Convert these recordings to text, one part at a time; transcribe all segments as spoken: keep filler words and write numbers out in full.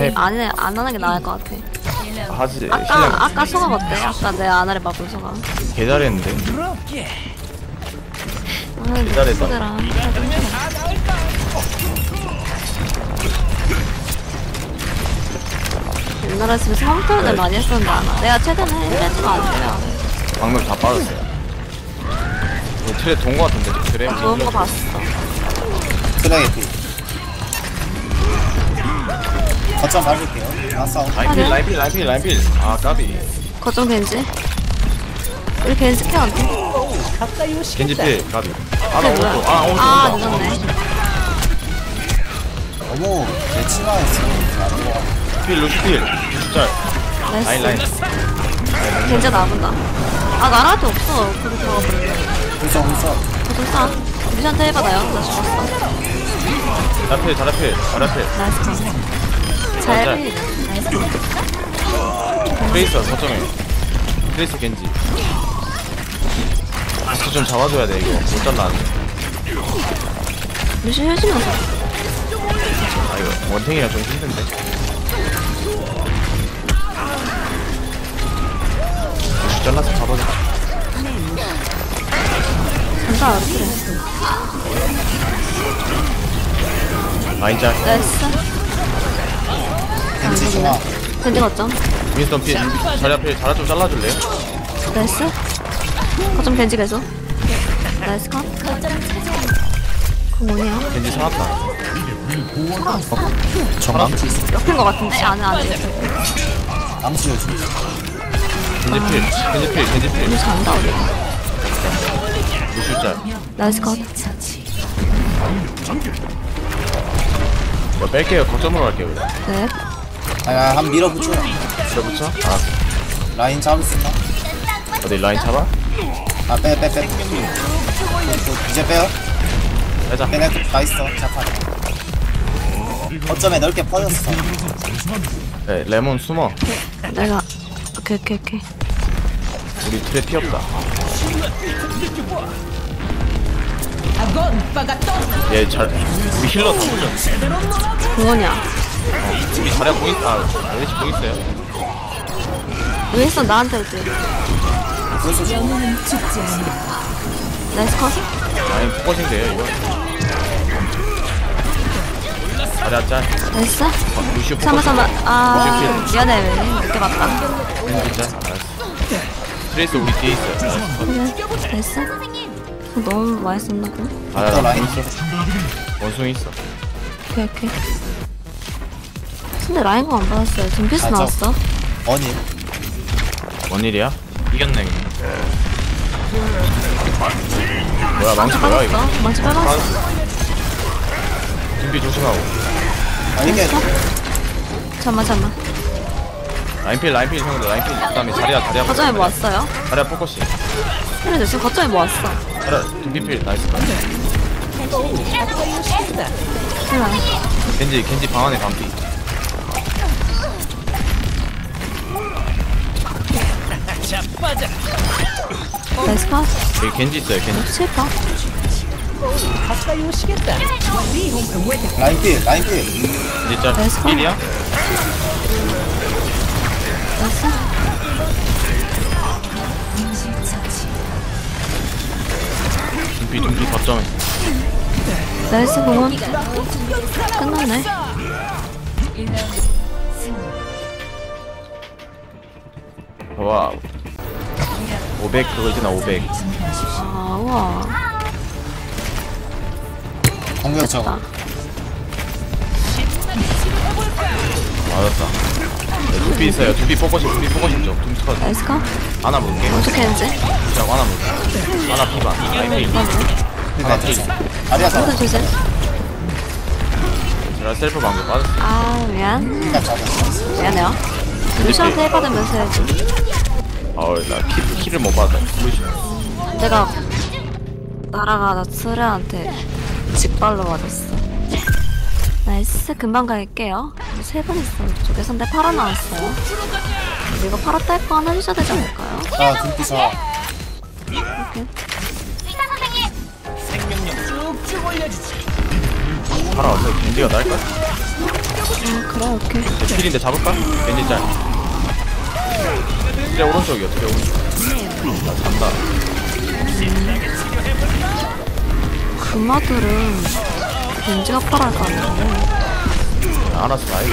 해. 안 해, 안 하는 게 나을 것 같아. 하지. 아까 신랑 아까 소감 어때? 아까 내 아나를 봐본 소감. 개 잘했는데. 아, 잘했다. 소대랑. 옛날에 집에서 홈트를 많이 했었는데 아나. 내가 최근에 헬멧도 안 돼요. 방금 다 빠졌어요. 이거 트랩 돈거 같은데 트랩. 아, 좋은 거 봤어. 트랙에 피. 거점 밟을게요. 아 싸움. 라인필 라인필 라인필 라인필. 아 까비. 거점 겐지. 우리 겐지 케어 안 돼? 겐지필 까비. 아 나 그게 뭐야? 오른쪽. 아 오른쪽 아, 온다. 늦었네. 너무 내 치마에서 나는 거 같아. 필 루시필. 루시짤. 라인 라인. 나이스. 겐지 나본다. 아, 나라도 없어. 그렇게 들어가 버렸네. 훌쩍 훌쩍. 거점 싸. 미션트 해봐요. 나 죽었어. 자필 자라필 자라필. 나이스. 잘 해. 나이스. 트레이서 거점에. 트레이서 겐지. 박수 좀 잡아줘야 돼 이거. 못 잘라. 루시 해주면서. 아 이거 원탱이라 좀 힘든데. 루시 잘라서 잡아줘. 간다, 그래. 라인 짤. 나이스. 겐지 중앙. 겐지 거점. 윈스턴 필. 자리 앞에 자라 좀 잘라줄래요? 나이스. 거점 겐지 계속. 나이스 컷. 그럼 뭐냐? 겐지 살았다. 정강. 옆인 거 같은데? 안에 안에. 암수 요즘. 겐지 필. 겐지 필. 겐지 필. 루시 안다, 우리. 루시 짤. 나이스 컷. 이거 뺄게요. 거점으로 갈게요. 그냥. 네. 아, 한 밀어붙여요. 밀어붙여? 아, 라인 잡을 수 있나? 어디 라인 잡아? 아, 빼, 빼, 빼. 이제 빼요. 빼자. 빼내, 다 있어. 자판. 거점에 넓게 퍼졌어. 네, 레몬 숨어. 내가. 오케이, 오케이, 오케이. 우리 틀에 피 없다. 얘 잘, 우리 힐러 다 보죠. 뭐냐? 어, 우리 자리야 보이, 아, 레이지 보이세요? 왜 했어? 나한테 올때 그래서 나이스 컷. 아니, 포커싱 돼요, 이거. 자리야 짤. 나이스. 어, 루시오 잠깐만, 포커싱. 잠깐만. 아, 루시오 미안해, 왜. 늦게 봤다. 겐지 짤. 알았어. 트레이스 우리 뒤에 있어요. 그래, 나이스. 너무 많이 썼나, 그럼? 아, 또 나 라인. 있어. 원숭이 있어. 오케이, 오케이. 근데 라인거 안 받았어요. 둠피스 아, 저- 나왔어. 어니. 뭔 일이야? 이겼네. 뭐야, 망치 망치 뭐야, 이거? 빠졌어. 망치 빠졌어. 준비 조심하고. 아, 이게 잠만, 잠만. 라인필, 라인필 형들, 라인필. 그 다음에 자리야, 자리야. 거점에 뭐 왔어요? 자리야 포커싱. 그래, 지금 거점에 뭐 왔어? 자리야, 준비필, 나이스. 몰라. 겐지, 겐지 방 안에 반피. 나이스 컷. 여기 겐지 있어요, 겐지. 칠퍼. 라인 필, 라인 필. 겐지 짤. 나이스 컷. 필이야? 나이스. 준비, 준비, 거점. 나이스 공원. 끝났네. 와. 오백 그거잖아, 오백. 아, 우와. 공격 됐다. 저거. 맞았다. 네, 준비 있어요. 준비 포커싱, 준비 포커싱 좀. 준비 컷. 나이스 컷. 하나 볼게. 어떻게 했지? 자, 하나 볼게. 하나 피반. 라인필. 하나 필. 아리아 잡아. 어떻게 주세요? 제가 셀프 방금 빠졌어. 아, 미안. 일단 잡았어. 미안해요. 루시한테 해받으면서 해야지. 아우, 나 키, 키를 못 받아. 루시. 내가 날아가다 트레한테 직발로 맞았어. 나이스. 금방 갈게요. 세 번 있어. 이쪽에 선대 팔아 나왔어요. 이거 팔아 딸 거 하나 해주셔야 되지 않을까요? 아, 등기 저. 이렇게. 팔아 왔어요. 겐지가 날까? 그래, 오케이. 필인데 잡을까? 겐지 짤. 트레 오른쪽이요, 트레 오른쪽. 나 잔다. 금마들은 겐지가 팔아야 가는데. 알았어, 나이스.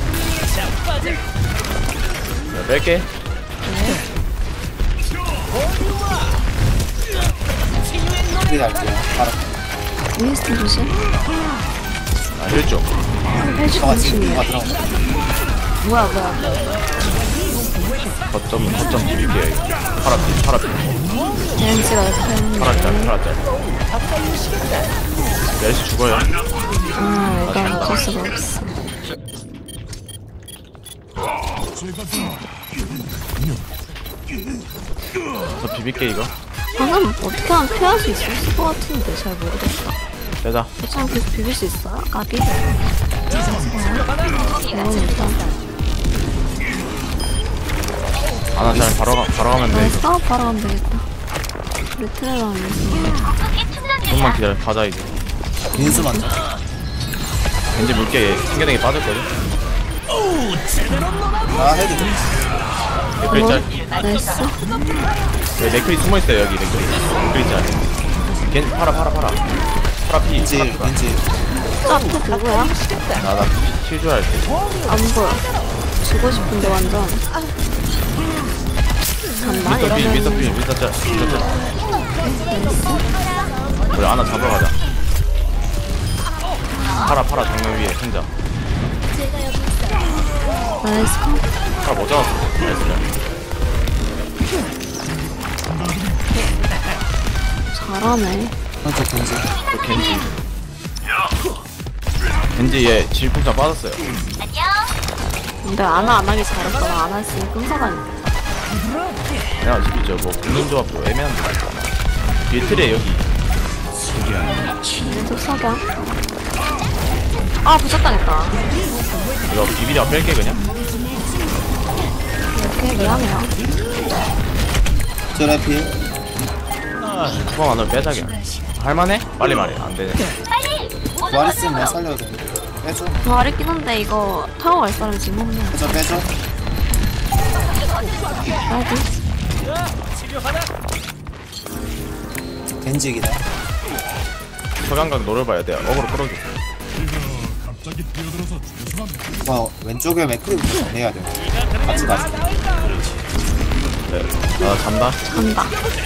야, 뺄게. 크게 갈게요. 바로. 윈스턴 조심. 아, 힐쪽. 헬스 저가 지금 조심이야. 누가 들어온 거 뭐야, 뭐야, 뭐야. 거점, 거점 비빌게요, 이거. 파라피, 파라피. 겐지가 옆에 파라짤, 있는데. 파라짤. 멜시 죽어요. 아, 이건 어쩔 수가 없어. 저 비빌게, 이거. 방금 어떻게 하면 피할 수 있을 것 같은데 잘 모르겠어. 되자. 어차피 계속 비빌 수 있어요? 까비? 너무 일단 아나 잘 바로, 가, 바로 가면 돼. 나 싸움 바로 가면 되겠다. 우리 트레랑 위해서. 좀만 기다려. 가자, 이제. 민수 먼저. 겐지 물게 튕겨내기 빠졌거든. 아, 해도 돼. 맥크리 짤. 나이스. 여기 맥크리 숨어있어요, 여기 맥크리. 맥크리 짤. 겐지 팔아, 팔아, 팔아. 팔아 피. 왠지, 왠지. 저 앞에 누구야? 나, 나 킬줄 알지. 안 보여. 주고 싶은데 완전. 간다 미스터 필, 미스터 이러면. 필, 미스터 짤. 미스터 짤. 우리 하나 잡으러 가자. 팔아, 팔아, 정면 위에 생자. 나이스 컷. 팔아 못 잡았어. 나이스 짤. 잘하네. 먼저 겐지. 또 겐지. 겐지 얘 질풍장 빠졌어요. 근데 안하 안 하기 잘했어. 안 했으면 끔사다니까. 그냥 어차피 저뭐 붙는 조합도 애매한데. 뒤에 틀에 여기. 계속 석양. 아 부착당했다. 이거 비비려 뺄게 그냥. 이렇게 미안해요. 트래피. 후방 안으로 빼자 그냥. 할만해? 빨리 말해. 안 되네. 부활 있으면 내가 살려야 돼. 빼줘. 부활 있긴 한데 이거 타고 갈 사람이 지금 없네. 빼줘, 빼줘. 나이스. 겐지기다. 서강각 노려봐야 돼. 어그로 끌어줘. 와, 왼쪽에 맥크리 내야 돼. 같이 가자. 네. 나 잔다. 간다.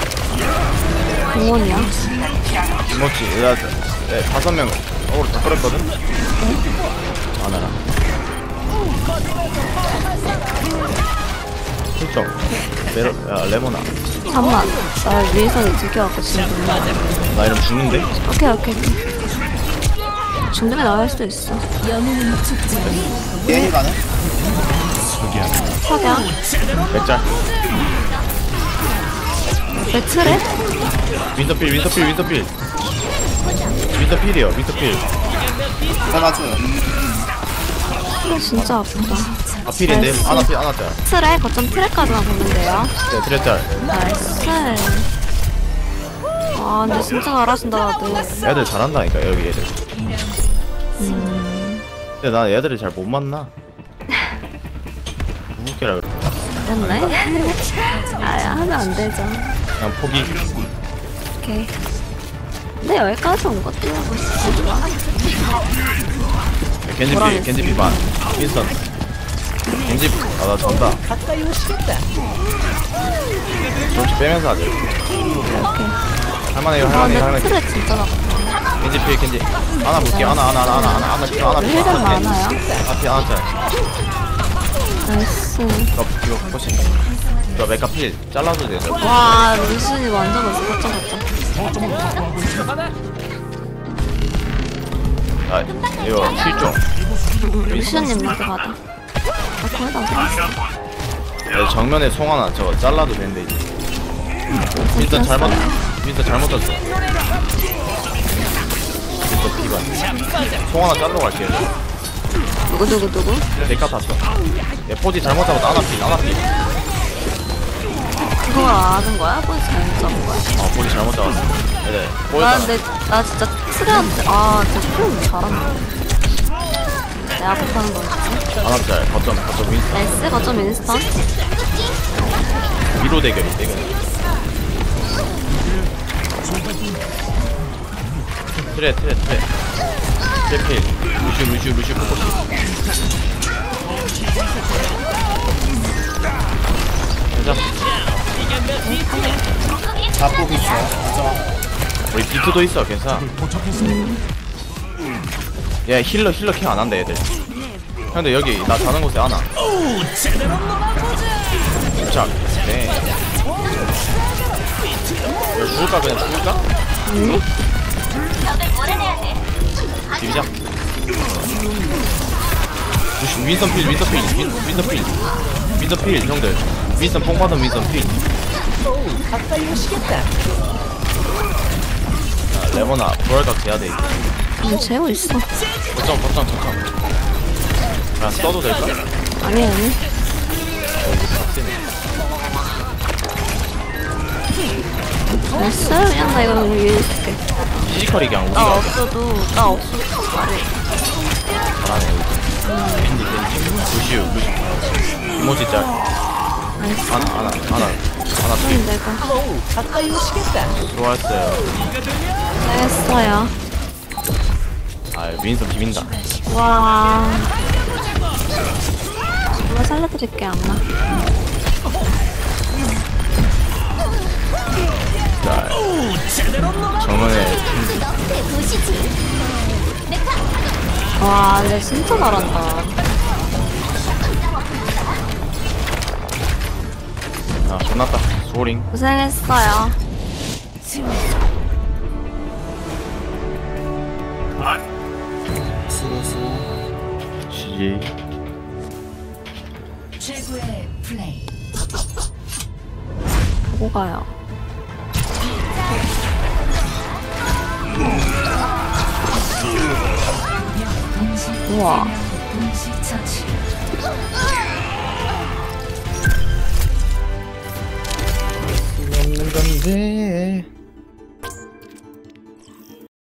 공원이야. 김모치. 나 네, 다섯 명 어그로 다 끌었거든. 안 하나. 실종. 메로, 야 레모나. 잠만. 날 위에서 들켜갖고 지금 몰라. 나 이러면 죽는데? 오케이 오케이. 중간에 나갈 수도 있어. 게임이 가능? 석양. 맥짤. 매트래? 윈터필 윈터필 윈터필. 윈터필이요 윈터필. 해봐줘요. 이거 진짜 아프다. 아 필인데? 하나 필 하나 짤. 트레 거점 트레까지만 보면 돼요. 네 트레짤. 나이스. 아 근데 진짜 잘하신다 다들. 애들 잘한다니까 여기 애들. 음. 근데 난 애들이 잘 못 만나. 무섭게라 그래. 됐네. 아 하면 안 되죠. 그냥 포기. 오케이. 근데 여기까지 온 것도 좋아. 겐지 피 겐지 피 반. 윈스턴. 겐지 아나 전다. 조금씩 빼면서 하자. 오케이. 할만해요 아 할만해요 근데 할만해. 트레 진짜 나쁘다. 겐지 피 겐지. 하나 볼게 하나 하나 하나 하나 하나 하나 피 하나 피 힐좀 하나 피. 많아요. 하나 피 하나 짤. 나이스. 이거 이거 훨씬. 이거 메카 필 잘라도 돼. 와 루시이 완전 멋있어. 걱정 걱정. 아 이거 실종. 루시언님한테 받아. 나 거의 다 들었어. 네, 정면에 송 하나 저거 잘라도 되는데 이제. 윈스턴 잘못 윈스턴 잘못 떴어. 윈스턴 피반. 송 하나 자르러 갈게요. 누구 누구 누구? 데카 탔어. 얘 포지 잘못 잡았다. 하나 피 하나 피. 그걸 아는 거야? 그걸 잘못 잡은 거야? 어 포지 잘못 잡았어. 네네. 나 보였잖아. 근데 나 진짜 트레한테 아 진짜 트레 잘한다. 내가 못하는 거지. 아나짤 거점 거점 윈스턴 나이스, 거점 윈스턴. 위로 대결이 대결. 트레 트레 트레 트레필 루슈 루슈 루슈 포커스. 가자. 자폭 있어요. 가자. 우리 비트도 있어 괜찮아. 얘 힐러 힐러 케어 안 한다 얘들. 근데 여기 나 자는 곳에 안와. 자, 네. 이거 죽을까 그냥 죽을까? 아니? 비비자. 무슨 윈선 필 윈선 필 윈- 윈선 필 윈선 필 형들. 윈선 뽕 받은 윈선 필. 자, 레모나 부활각 돼야 돼 이제. 음, 재고 있어. 거점 거점 거점. 야 써도 될까? 아니, 아니. 나이스. 그냥 나 이거 위에 있을게. 피지컬이 그냥 나 우리가 없어도, 나 없어도 잘해. 잘하네 여기. 밴디 밴디. 루시우 루시우. 이모지 짤. 나이스. 하나 하나 하나 하나 음, 필. 내가. 수고했어요. 했어요. 아 윈선 비빈다. 와. 이거 살려드릴게, 안나. 자 정면에 와, 근데 진짜 잘한다. 아 존났다. 소링. 고생했어요. 수고수. 지지. 최고의 플레이. 보고 가요. 우와. 동시 처치. 없는 건데.